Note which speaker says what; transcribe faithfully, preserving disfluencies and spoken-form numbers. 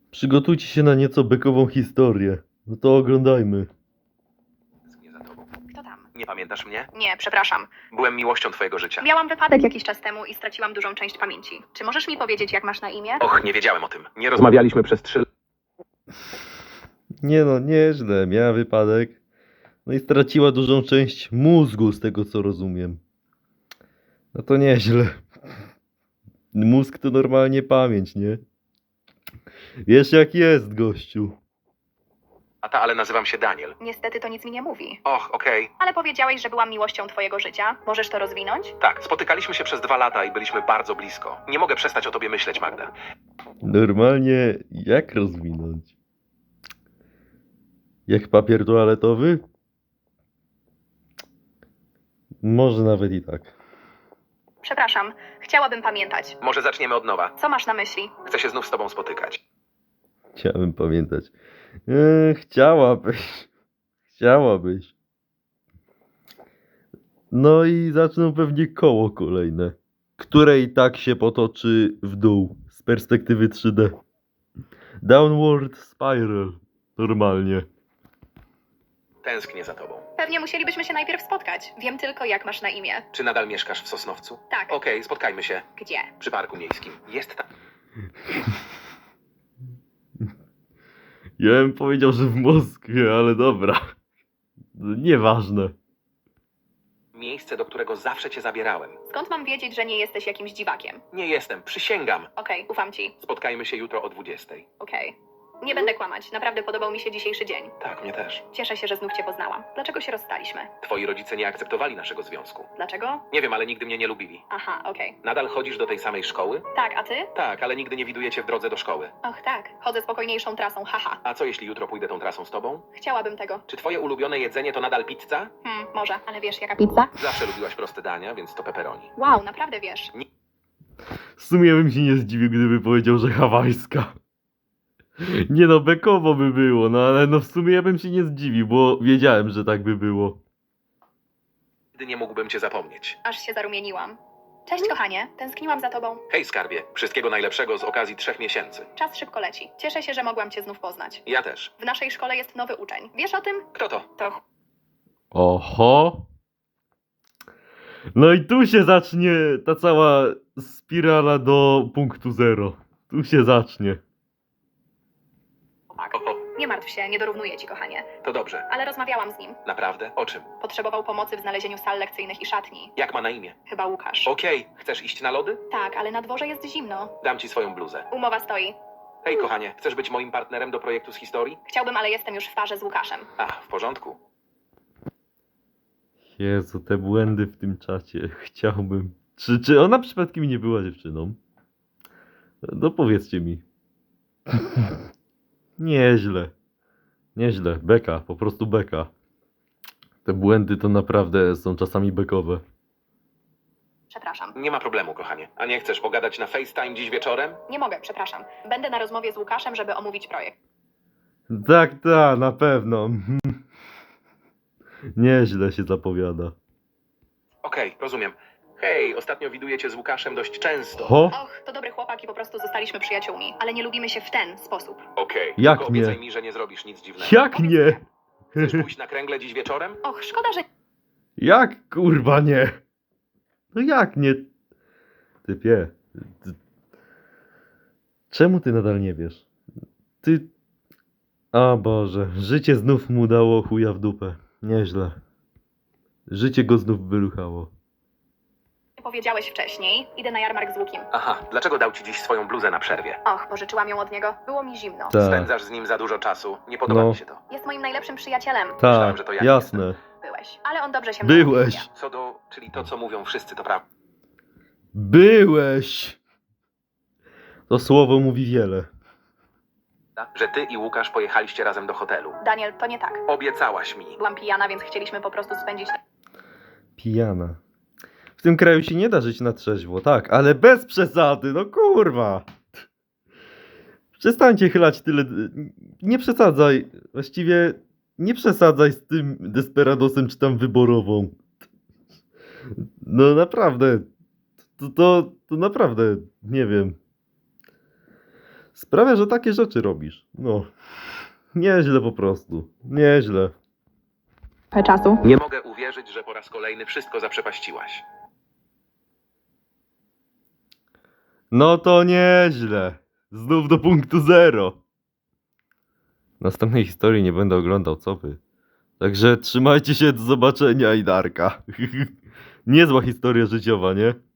Speaker 1: Przygotujcie się na nieco bekową historię. No to oglądajmy.
Speaker 2: Tęsknię za tobą.
Speaker 3: Kto tam?
Speaker 2: Nie pamiętasz mnie?
Speaker 3: Nie, przepraszam.
Speaker 2: Byłem miłością twojego życia.
Speaker 3: Miałam wypadek jakiś czas temu i straciłam dużą część pamięci. Czy możesz mi powiedzieć, jak masz na imię?
Speaker 2: Och, nie wiedziałem o tym. Nie rozmawialiśmy przez trzy lata.
Speaker 1: Nie no, nieźle. Miała wypadek. No i straciła dużą część mózgu, z tego co rozumiem. No to nieźle. Mózg to normalnie pamięć, nie? Wiesz jak jest, gościu.
Speaker 2: Ale nazywam się Daniel.
Speaker 3: Niestety to nic mi nie mówi.
Speaker 2: Och, okej.
Speaker 3: Ale powiedziałeś, że byłam miłością twojego życia. Możesz to rozwinąć?
Speaker 2: Tak, spotykaliśmy się przez dwa lata i byliśmy bardzo blisko. Nie mogę przestać o tobie myśleć, Magda.
Speaker 1: Normalnie jak rozwinąć? Jak papier toaletowy? Może nawet i tak.
Speaker 3: Przepraszam, chciałabym pamiętać.
Speaker 2: Może zaczniemy od nowa.
Speaker 3: Co masz na myśli?
Speaker 2: Chcę się znów z tobą spotykać.
Speaker 1: Chciałem pamiętać. Eee, chciałabyś. Chciałabyś. No i zaczną pewnie koło kolejne, które i tak się potoczy w dół z perspektywy trzy D. Downward spiral. Normalnie.
Speaker 2: Tęsknię za tobą.
Speaker 3: Pewnie musielibyśmy się najpierw spotkać. Wiem tylko, jak masz na imię.
Speaker 2: Czy nadal mieszkasz w Sosnowcu?
Speaker 3: Tak.
Speaker 2: Okej, spotkajmy się.
Speaker 3: Gdzie?
Speaker 2: Przy parku miejskim. Jest tam.
Speaker 1: Ja bym powiedział, że w Moskwie, ale dobra. Nieważne.
Speaker 2: Miejsce, do którego zawsze cię zabierałem.
Speaker 3: Skąd mam wiedzieć, że nie jesteś jakimś dziwakiem?
Speaker 2: Nie jestem, przysięgam.
Speaker 3: Okej, ufam ci.
Speaker 2: Spotkajmy się jutro o dwudziestej.
Speaker 3: Okej. Nie będę kłamać. Naprawdę podobał mi się dzisiejszy dzień.
Speaker 2: Tak, mnie też.
Speaker 3: Cieszę się, że znów cię poznałam. Dlaczego się rozstaliśmy?
Speaker 2: Twoi rodzice nie akceptowali naszego związku.
Speaker 3: Dlaczego?
Speaker 2: Nie wiem, ale nigdy mnie nie lubili.
Speaker 3: Aha, okej.
Speaker 2: Nadal chodzisz do tej samej szkoły?
Speaker 3: Tak, a ty?
Speaker 2: Tak, ale nigdy nie widuję cię w drodze do szkoły.
Speaker 3: Och tak, chodzę spokojniejszą trasą, haha.
Speaker 2: A co jeśli jutro pójdę tą trasą z tobą?
Speaker 3: Chciałabym tego.
Speaker 2: Czy twoje ulubione jedzenie to nadal pizza?
Speaker 3: Hmm, może, ale wiesz jaka pizza?
Speaker 2: Zawsze lubiłaś proste dania, więc to pepperoni.
Speaker 3: Wow, naprawdę wiesz.
Speaker 1: W sumie bym się nie zdziwił, gdyby powiedział, że hawajska. Nie no, bekowo by było, no ale no w sumie ja bym się nie zdziwił, bo wiedziałem, że tak by było.
Speaker 2: Nigdy nie mógłbym cię zapomnieć.
Speaker 3: Aż się zarumieniłam. Cześć kochanie, tęskniłam za tobą.
Speaker 2: Hej skarbie, wszystkiego najlepszego z okazji trzech miesięcy.
Speaker 3: Czas szybko leci. Cieszę się, że mogłam cię znów poznać.
Speaker 2: Ja też.
Speaker 3: W naszej szkole jest nowy uczeń. Wiesz o tym?
Speaker 2: Kto to?
Speaker 3: To ch-
Speaker 1: Oho. No i tu się zacznie ta cała spirala do punktu zero. Tu się zacznie.
Speaker 3: chłopak.
Speaker 2: Oho,
Speaker 3: Nie martw się, nie dorównuję ci kochanie.
Speaker 2: to dobrze.
Speaker 3: Ale rozmawiałam z nim.
Speaker 2: Naprawdę? O czym?
Speaker 3: Potrzebował pomocy w znalezieniu sal lekcyjnych i szatni.
Speaker 2: Jak ma na imię?
Speaker 3: Chyba Łukasz.
Speaker 2: Okej, chcesz iść na lody?
Speaker 3: Tak, ale na dworze jest zimno.
Speaker 2: Dam ci swoją bluzę.
Speaker 3: Umowa stoi.
Speaker 2: Hej kochanie, chcesz być moim partnerem do projektu z historii?
Speaker 3: Chciałbym, ale jestem już w parze z Łukaszem.
Speaker 2: A, w porządku.
Speaker 1: Jezu, te błędy w tym czacie. Chciałbym. Czy, czy ona przypadkiem nie była dziewczyną? No powiedzcie mi. Nieźle. Nieźle. Beka, po prostu beka. Te błędy to naprawdę są czasami bekowe.
Speaker 3: Przepraszam.
Speaker 2: Nie ma problemu, kochanie. A nie chcesz pogadać na FaceTime dziś wieczorem?
Speaker 3: Nie mogę, przepraszam. Będę na rozmowie z Łukaszem, żeby omówić projekt.
Speaker 1: Tak, tak, na pewno. Nieźle się zapowiada.
Speaker 2: Okej, rozumiem. Hej, ostatnio widuję cię z Łukaszem dość często.
Speaker 1: Ho?
Speaker 3: Och, to dobry chłopak i po prostu zostaliśmy przyjaciółmi. Ale nie lubimy się w ten sposób.
Speaker 2: Okej,
Speaker 1: Jak
Speaker 2: tylko
Speaker 1: nie?
Speaker 2: obiecaj mi, że nie zrobisz nic dziwnego.
Speaker 1: Jak nie?
Speaker 2: Chcesz pójść na kręgle dziś wieczorem?
Speaker 3: Och, szkoda, że...
Speaker 1: Jak kurwa nie? No jak nie? Typie. Ty... Czemu ty nadal nie wiesz? Ty... O Boże, życie znów mu dało chuja w dupę. Nieźle. Życie go znów wyruchało.
Speaker 3: nie powiedziałeś wcześniej. Idę na jarmark z Łukiem.
Speaker 2: Aha, dlaczego dał ci dziś swoją bluzę na przerwie?
Speaker 3: Och, pożyczyłam ją od niego. Było mi zimno.
Speaker 1: Tak,
Speaker 2: Spędzasz z nim za dużo czasu. Nie podoba
Speaker 1: No.
Speaker 2: mi się to.
Speaker 3: Jest moim najlepszym przyjacielem.
Speaker 2: Myślałem,
Speaker 1: tak,
Speaker 2: że to ja
Speaker 1: jasne.
Speaker 3: Byłeś. Ale on dobrze się mną
Speaker 1: Byłeś.
Speaker 3: opiekuje.
Speaker 2: Co do... czyli to, co mówią wszyscy, to prawda.
Speaker 1: Byłeś! To słowo mówi wiele.
Speaker 2: Że ty i Łukasz pojechaliście razem do hotelu.
Speaker 3: Daniel, to nie tak.
Speaker 2: Obiecałaś mi.
Speaker 3: Byłam pijana, więc chcieliśmy po prostu spędzić...
Speaker 1: Pijana. W tym kraju się nie da żyć na trzeźwo, tak, ale bez przesady, no kurwa. Przestańcie chylać tyle. Nie przesadzaj. Właściwie nie przesadzaj z tym Desperadosem czy tam wyborową. No naprawdę. To, to, to naprawdę, nie wiem. sprawia, że takie rzeczy robisz. No, nieźle po prostu. Nieźle.
Speaker 4: czasu.
Speaker 2: Nie mogę uwierzyć, że po raz kolejny wszystko zaprzepaściłaś.
Speaker 1: No to nieźle. Znów do punktu zero. Następnej historii nie będę oglądał, co wy. Także trzymajcie się, do zobaczenia i Darka. Niezła historia życiowa, nie?